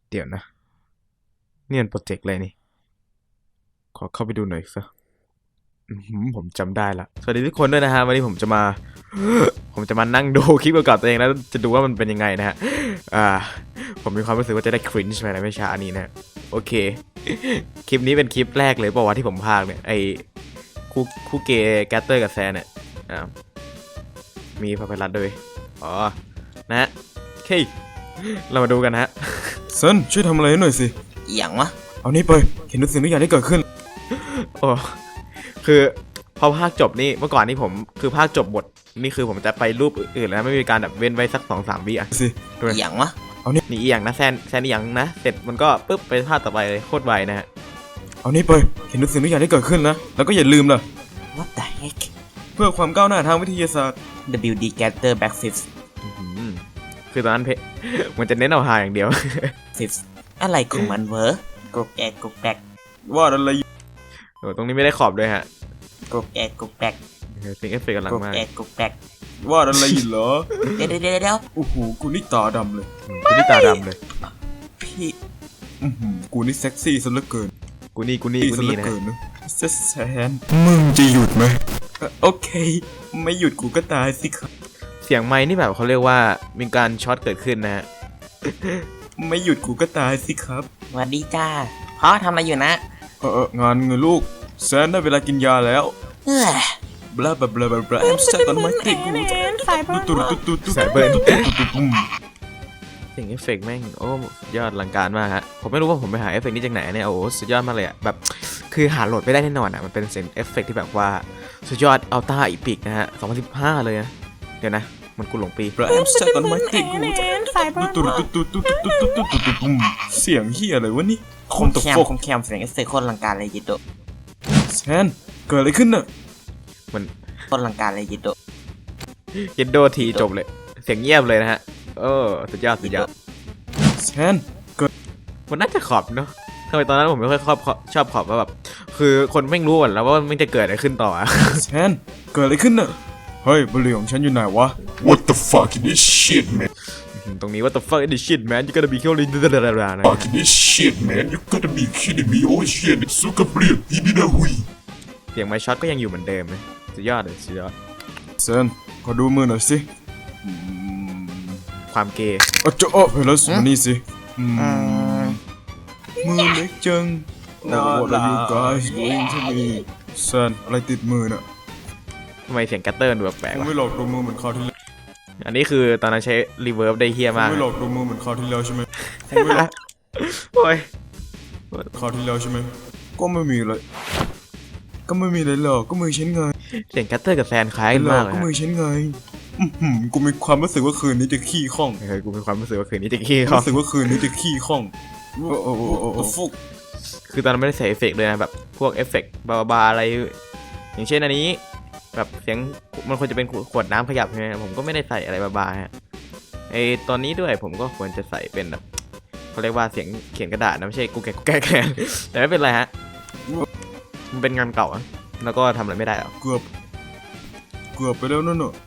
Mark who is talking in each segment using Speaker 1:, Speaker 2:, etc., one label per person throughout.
Speaker 1: เดี๋ยวนะเนี่ยโปรเจกต์อะไรนี่ขอเข้าไปดูหน่อยซะผมจำได้ละสวัสดีทุกคนด้วยนะฮะวันนี้ผมจะมา ผมจะมานั่งดูคลิปประกอบตัวเองแล้วจะดูว่ามันเป็นยังไงนะฮะผมมีความรู้สึกว่าจะได้ครินช์ไปในไม่ช้านี้นะโอเค คลิปนี้เป็นคลิปแรกเลยป่าววะที่ผมพากเนี่ยไอคู่เกย์แกตเตอร์กับแซนเนี่ยมีพาเพลัสด้วยอ๋อนะฮะโอเคเรามาดูกันฮะ
Speaker 2: เซินช่วยทำอะไรหน่อยสิ
Speaker 3: อย่างวะ
Speaker 2: เอานี้ไปเห็นทุกสิ่งทุกอย่างที่เกิดขึ้น
Speaker 1: โอ้คือพอภาคจบนี่เมื่อก่อนนี่ผมคือภาคจบบทนี่คือผมจะไปรูปอื่นแล้วไม่มีการแบบเว้นไว้สัก2-3 วิอ่ะ
Speaker 2: สิ
Speaker 3: อย่างวะ
Speaker 1: นี่อย่างนะแซนอย่างนะเสร็จมันก็ปุ๊บไปภาคต่อไปเลยโคตรไวนะฮะ
Speaker 2: เอานี้ไปเห็นทุกสิ่งทุกอย่างที่เกิดขึ้นนะแล้วก็อย่าลืมล่ะ
Speaker 3: What the heck
Speaker 2: เพื่อความก้าวหน้าทางวิทยาศาสตร์
Speaker 3: WD Gather Back Fifth
Speaker 1: คือตอนนั้นมันจะเน้นเอาหาอย่างเดียว
Speaker 3: Fifth อะไรของมันเวอร์กกแอกกกแกก
Speaker 2: ว่าอะไร
Speaker 1: ตรงนี้ไม่ได้ขอบด้วยฮะ
Speaker 3: กกแอกกกแกก
Speaker 1: เสียงเอฟเฟกต์กำลังมาก
Speaker 3: กกแอกกกแกก
Speaker 2: ว่าอะไรเหรอ
Speaker 3: เดี๋ยว
Speaker 2: โอ้โหกูนี่ตาดำเลย
Speaker 1: กูนี่ตาดำเลย
Speaker 3: พี่
Speaker 2: กูนี่เซ็กซี่ซะเหลือเกิน
Speaker 1: กูนี่นะ
Speaker 2: แซนมึงจะหยุดไหมโอเคไม่หยุดกูก็ตายสิครับ
Speaker 1: เสียงไม้นี่แบบเขาเรียกว่ามีการช็อตเกิดขึ้นนะฮะ
Speaker 2: ไม่หยุดกูก็ตายสิครับ
Speaker 3: สวัสดีจ้าพ่อทำอะไรอยู่นะ
Speaker 2: งานเงินลูกแซนได้เวลากินยาแล้วบลาบลาบลาบลาสายต้นไม้ติดกูสายเบิร์น
Speaker 1: เสียงเอฟเฟกต์แม่งโอ้ยอดอลังการมากฮะผมไม่รู้ว่าผมไปหาเอฟเฟกต์นี้จากไหนเนี่ยโอ้สุดยอดมากเลยอ่ะแบบคือหาโหลดไม่ได้แน่นอนอ่ะมันเป็นเสียงเอฟเฟกต์ที่แบบว่าสุดยอดอัลต้าอีพิกนะฮะ2015เลยนะเดี๋ยวนะมันกูหลงปี
Speaker 2: สายต้นไม้ติดกูเสียงเฮียอะไรวะนี่
Speaker 3: คมแคมเสียงเอฟเฟกต์โคตรอลังการเลยยิโต
Speaker 2: แซนเกิดอะไรขึ้นน่ะ
Speaker 1: มัน
Speaker 3: โคตรอลังการเลยยิโต
Speaker 1: เยนโดทีจบเลยเสียงเงียบเลยนะฮะสุดยอด
Speaker 2: แซนเกิด
Speaker 1: มันน่าจะขอบเนาะทำไมตอนนั้นผมไม่ค่อยชอบขอบว่าแบบคือคนไม่รู้แล้วว่ามันจะเกิดอะไรขึ้นต่อ
Speaker 2: แซนเกิดอะไรขึ้นน่ะเฮ้ยบุหรี่ของฉันอยู่ไหนวะ
Speaker 4: What the fuck is this shit man
Speaker 1: ตรงนี้ What the fuck is this shit man you gotta be killingนะ
Speaker 4: Fuck is this shit man you gotta be kidding me oh shit สุกเปรี้ยวอีบินาหุย
Speaker 1: เสียงไมค์ช็อตก็ยังอยู่เหมือนเดิมเลยสุดยอด
Speaker 2: แซนขอดูมือหน่อยสิ
Speaker 1: ความเกย์
Speaker 2: เฮ้ยแล้วมานี่สิมือเล็กจัง What are you guys doing to me แซนอะไรติดมือน่ะ
Speaker 1: ทำไมเสียงกัตเตอร์ดูแปลกๆวะ
Speaker 2: ไม่หลอกดูมือเหมือนคราวที่แล้ว
Speaker 1: อันนี้คือตอนนั้นใช้รีเวิร์บได้เฮี้ยมาก
Speaker 2: ไม่หลอกดูมือเหมือนคราวที่แล้วใช่ไหม
Speaker 1: โอ้ย
Speaker 2: คราวที่แล้วใช่ไหมก็ไม่มีเลยหรอกก็มือฉันไง
Speaker 1: เสียงกัตเตอร์กับแซนคล้ายกันมากเลย
Speaker 2: ก็มือฉันไงกูมีความรู้สึกว่าคืนนี้จะขี้ข้อง
Speaker 1: กูมีความรู้สึกว่าคืนนี้จะขี้ข้อง
Speaker 2: ฟุก
Speaker 1: คือตอนนั้นไม่ได้ใส่เอฟเฟกต์เลยนะแบบพวกเอฟเฟกต์บาๆอะไรอย่างเช่นอันนี้แบบเสียงมันควรจะเป็นขวดน้ำขยับใช่ไหมผมก็ไม่ได้ใส่อะไรบาๆฮะตอนนี้ด้วยผมก็ควรจะใส่เป็นแบบเขาเรียกว่าเสียงเขียนกระดาษนะไม่ใช่กูแก่แต่ไม่เป็นไรฮะมันเป็นงานเก่าแล้วก็ทำอะไรไม่ได้หรอก
Speaker 2: เกือบไปแล้วนั่นน่ะ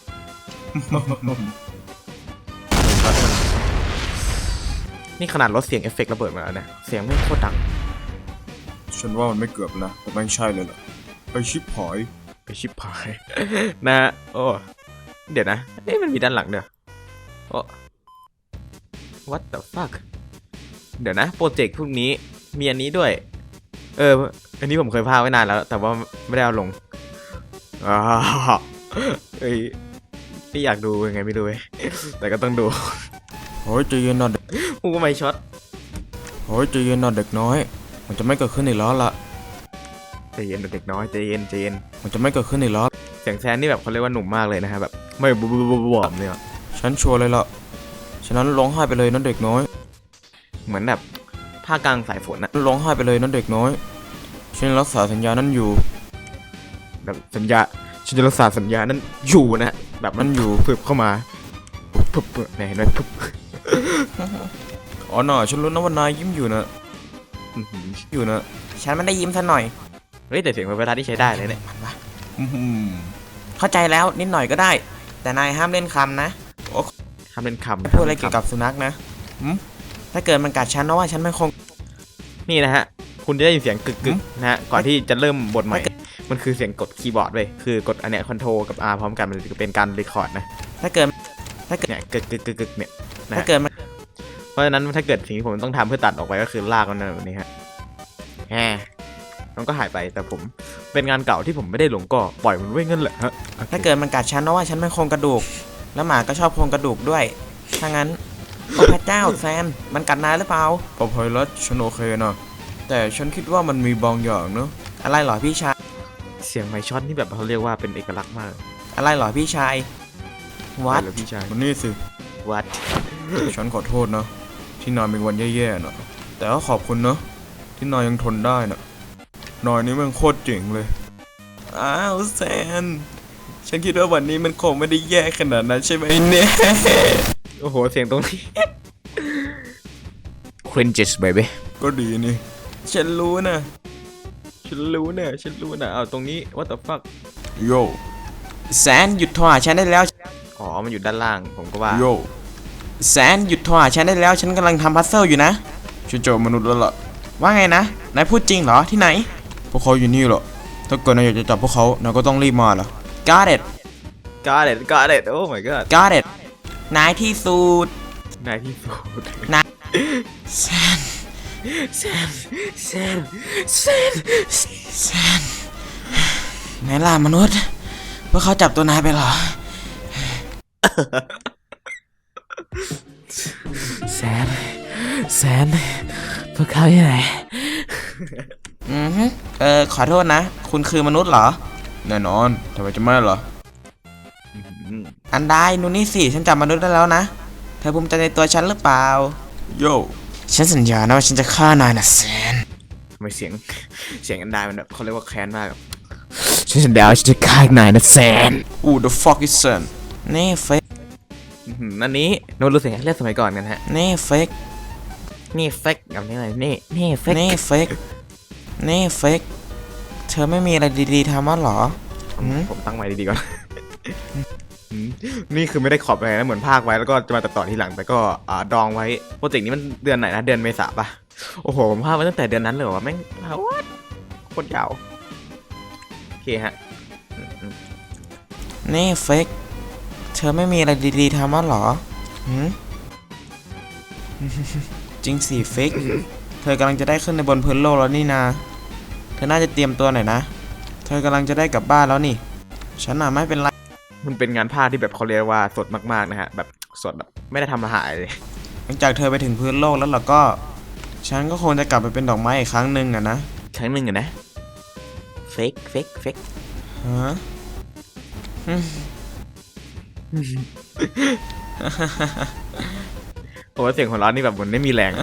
Speaker 1: นี่ขนาดลดเสียงเอฟเฟกต์ระเบิดมาแล้วนะเสียงไม่โคตรดัง
Speaker 2: ฉันว่ามันไม่เกือบนะแต่ไม่ใช่เลยล่ะไปชิปหาย
Speaker 1: นะโอ้เดี๋ยวนะมันมีด้านหลังเด้อโอ้ what the fuck เดี๋ยวนะโปรเจกต์พวกนี้มีอันนี้ด้วยอันนี้ผมเคยพากไว้นานแล้วแต่ว่าไม่ได้เอาลงไม่อยากดูยังไงไม่ดูแต่ก็ต้องดู
Speaker 2: โอ้ยใจเย็นหน่อย
Speaker 1: กูก็ไม่ช็อต
Speaker 2: โอ้ยใจเย็นหน่อยเด็กน้อยมันจะไม่เกิดขึ้นอีกแล้วล่ะ
Speaker 1: ใจเย็นเด็กน้อยใจเย็น
Speaker 2: มันจะไม่เกิดขึ้นอีกแล้ว
Speaker 1: เสียงแซนนี่แบบเขาเรียกว่าหนุ่มมากเลยนะฮะแบบไม่บวมเนี่ย
Speaker 2: ฉันชัวร์เลยล่ะฉะนั้นร้องไห้ไปเลยนั่นเด็กน้อย
Speaker 1: เหมือนแบบผ้ากลางสายฝนนะ
Speaker 2: ร้องไห้ไปเลยนั่นเด็กน้อยฉันรักษาสัญญานั้นอยู่
Speaker 1: แบบสัญญาฉันจะรักษาสัญญานั้นอยู่นะแบบมันอยู่พึบเข้ามาพึบเนี่ยเห็นไหมพึบ
Speaker 2: อ๋อหน่าฉันรู้นะว่านายยิ้มอยู่นะ
Speaker 3: ฉันไม่ได้ยิ้มซะหน่อย
Speaker 1: เฮ้ยแต่เสียงเวลาที่ใช้ได้เลยเนี่ย
Speaker 3: เข้าใจแล้วนิดหน่อยก็ได้แต่นายห้ามเล่นคำนะ
Speaker 1: ห้ามเล่นคำ
Speaker 3: พูดอะไรเกี่ยวกับสุนัขนะถ้าเกิดมันกัดฉันนะว่าฉันไม่คง
Speaker 1: นี่นะฮะ คุณจะได้ยินเสียงกึกๆนะฮะ ก่อนที่จะเริ่มบทใหม่ มันคือเสียงกดคีย์บอร์ดเว้ย คือกดอันเนี้ยคอนโทรกับ R พร้อมกันมันจะเป็นการรีคอร์ดนะ
Speaker 3: ถ้าเกิด
Speaker 1: เนี่ยกึกเนี่ยนะ
Speaker 3: ถ้า
Speaker 1: ฮะ
Speaker 3: เกิดมัน
Speaker 1: เพราะฉะนั้นถ้าเกิดสิ่งที่ผมต้องทำเพื่อตัดออกไปก็คือลากมันแบบนี้ฮะแหมมันก็หายไปแต่ผมเป็นงานเก่าที่ผมไม่ได้หลงก็ปล่อยมันไว้งั้นแหละฮะ
Speaker 3: ถ้าเกิดมันกัดฉันนะว่าฉันไม่โครงกระดูก แล้วหมาก็ชอบโครงกระดูกด้วยถ้างั้นโอ้พระเจ้าแซนมันกัดนายหรือเปล่า
Speaker 2: ปอพอยรัสฉันโอเคนะแต่ฉันคิดว่ามันมีบางอย่างเนอะ
Speaker 3: อะไรเหรอพี่ชาย
Speaker 1: เสียงไมค์ช็อตนี่แบบเขาเรียกว่าเป็นเอกลักษณ์มาก
Speaker 3: อะไรเหรอพี่ชายวัด
Speaker 1: เหรอพี่ชาย
Speaker 2: มันนี่สิ
Speaker 1: วัด
Speaker 2: ฉันขอโทษนะที่นายมีวันแย่ๆนะแต่ก็ขอบคุณนะที่นายยังทนได้นะนายนี่มันโคตรเจ๋งเลย
Speaker 3: อ้าวแซนฉันคิดว่าวันนี้มันคงไม่ได้แย่ขนาดนั้นใช่ไหมเนี่ย
Speaker 1: โอ้โหเสียงตรงนี้ cringes baby
Speaker 2: ก็ดีนี่
Speaker 3: ฉันรู้นะ
Speaker 1: ฉันรู้นะเอาตรงนี้ what the fuck
Speaker 2: โย
Speaker 3: แซนหยุดโทรหาฉันได้แล้ว
Speaker 1: อ๋อมันอยู่ด้านล่างผมก็ว่า
Speaker 2: โย
Speaker 3: แซนหยุดโทรหาฉันได้แล้วฉันกำลังทำพัซเซิลอยู่นะ
Speaker 2: ฉันเจอมนุษย์แล้วล่ะ
Speaker 3: ว่าไงนะนายพูดจริงเหรอที่ไหน
Speaker 2: พวกเขาอยู่นี่เหรอถ้าเกิดนายอยากจะจับพวกเขานายก็ต้องรีบมาล่ะ
Speaker 3: Got it
Speaker 1: got it oh my god
Speaker 3: Got it นายที่สุด
Speaker 1: นายที่สุด
Speaker 3: แซน
Speaker 1: แซม
Speaker 3: ไหนล่ะมนุษย์พวกเขาจับตัวนายไปเหรอ
Speaker 1: แซมพวกเขาอยู่ไหน
Speaker 3: ขอโทษนะ คุณคือมนุษย์เหรอ
Speaker 2: แน่นอนทำไมจะไม่ล่ะ
Speaker 3: อันได้นูนี่สิฉันจับมนุษย์ได้แล้วนะ เธอภูมิใจในตัวฉันหรือเปล่า
Speaker 2: โย
Speaker 3: ฉันสัญญานะว่าฉันจะฆ่านายนะแซน
Speaker 1: ทำไมเสียงอันดามันแบบเขาเรียกว่าแค้นมากอะฉันสัญญาว่าฉันจะฆ่านายนะแซน
Speaker 2: Who the fuck is Sam
Speaker 3: นี่เฟก
Speaker 1: อันนี้โน้ตรู้สึกเรียกสมัยก่อนกันฮะ
Speaker 3: นี่เฟก
Speaker 1: นี่เฟกกับนี่อะไรนี่เฟก
Speaker 3: นี่เฟกนี่เฟกเธอไม่มีอะไรดีๆทำมั้งเหรอ
Speaker 1: ผมตั้งไว้ดีๆก่อน นี่คือไม่ได้ขอบอะไรนะเหมือนภาคไว้แล้วก็จะมาตัดต่อทีหลังแต่ก็ดองไว้โปรเจกต์นี้มันเดือนไหนนะเดือนเมษาปะโอ้โหผมภาคไว้ตั้งแต่เดือนนั้นเลยเหรอวะแม่งวัดโคตรยาวโอเคฮะ
Speaker 3: นี่เฟกเธอไม่มีอะไรดีๆทำมั้งเหรอหืม จริงสิเฟกเธอกำลังจะได้ขึ้นในบนพื้นโลกแล้วนี่นาเธอน่าจะเตรียมตัวหน่อยนะ เธอกำลังจะได้กลับบ้านแล้วนี่ ฉันน่ะไม่เป็นไร
Speaker 1: มันเป็นงานภาคที่แบบเขาเรียกว่าสดมากๆนะฮะแบบสดแบบไม่ได้ทำอาหารเลย
Speaker 3: หลังจากเธอไปถึงพื้นโลกแล้วล่ะก็ ฉันก็คงจะกลับไปเป็นดอกไม้อีกครั้งหนึ่งอะนะ
Speaker 1: ครั้งหนึ่งอะนะเฟก
Speaker 3: ฮะ
Speaker 1: โอ้เสียงหัวเราะนี่แบบเหมือนไม่มีแรง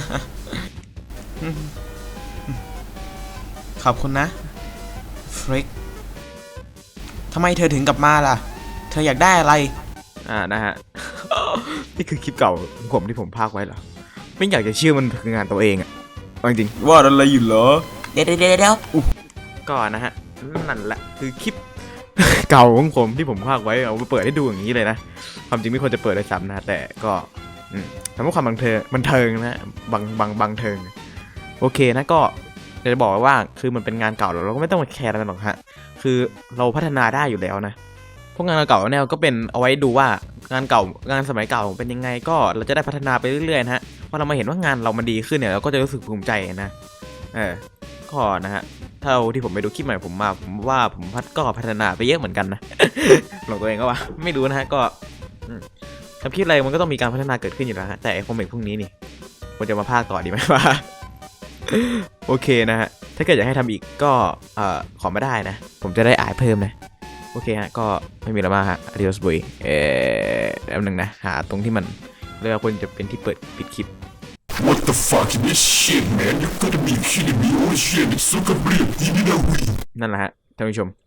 Speaker 3: ขอบคุณนะฟริกทำไมเธอถึงกลับมาล่ะ เธออยากได้อะไร
Speaker 1: นะฮะ นี่คือคลิปเก่าของผมที่ผมพากไว้เหรอไม่อยากจะเชื่อมันคืองานตัวเองอะเอาจริง
Speaker 2: ว่าอะไรอยู่เหรอ
Speaker 3: เดี๋ยว
Speaker 1: ๆก็นะฮะนั่นแหละคือคลิป เก่าของผมที่ผมพากไว้เอาไปเปิดให้ดูอย่างนี้เลยนะความจริงไม่ควรจะเปิดเลยซ้ำนะแต่ก็ทำให้ความบันเทิงนะบังเทิงโอเคนะก็จะบอกว่าคือมันเป็นงานเก่าเราก็ไม่ต้องมาแคร์อะไรหรอกฮะคือเราพัฒนาได้อยู่แล้วนะพวกงานเก่าเนี่ยก็เป็นเอาไว้ดูว่างานเก่างานสมัยเก่าเป็นยังไงก็เราจะได้พัฒนาไปเรื่อยๆนะฮะพอเรามาเห็นว่างานเรามันดีขึ้นเนี่ยเราก็จะรู้สึกภูมิใจนะก็นะฮะเท่าที่ผมไปดูคลิปใหม่ผมว่าผมก็พัฒนาไปเยอะเหมือนกันนะ หลงตัวเองก็ว่าไม่รู้นะฮะก็ทำคลิปอะไรมันก็ต้องมีการพัฒนาเกิดขึ้นอยู่แล้วฮะแต่ไอ้คอมเมนต์พวกนี้นี่ควรจะมาพากต่อดีไหมวะ โอเคนะฮะถ้าเกิดอยากให้ทำอีกก็ขอมาได้นะผมจะได้อ่านเพิ่มนะโอเคฮะก็ไม่มีอะไรมากฮะ adios boy แป๊บนึงนะหาตรงที่มันเรียกว่าควรจะเป็นที่เปิดปิดคลิป
Speaker 4: What the fuck is this shit man you gotta be kidding me oh shit it's so complete
Speaker 1: นั่นแหละฮะท่านผู้ชม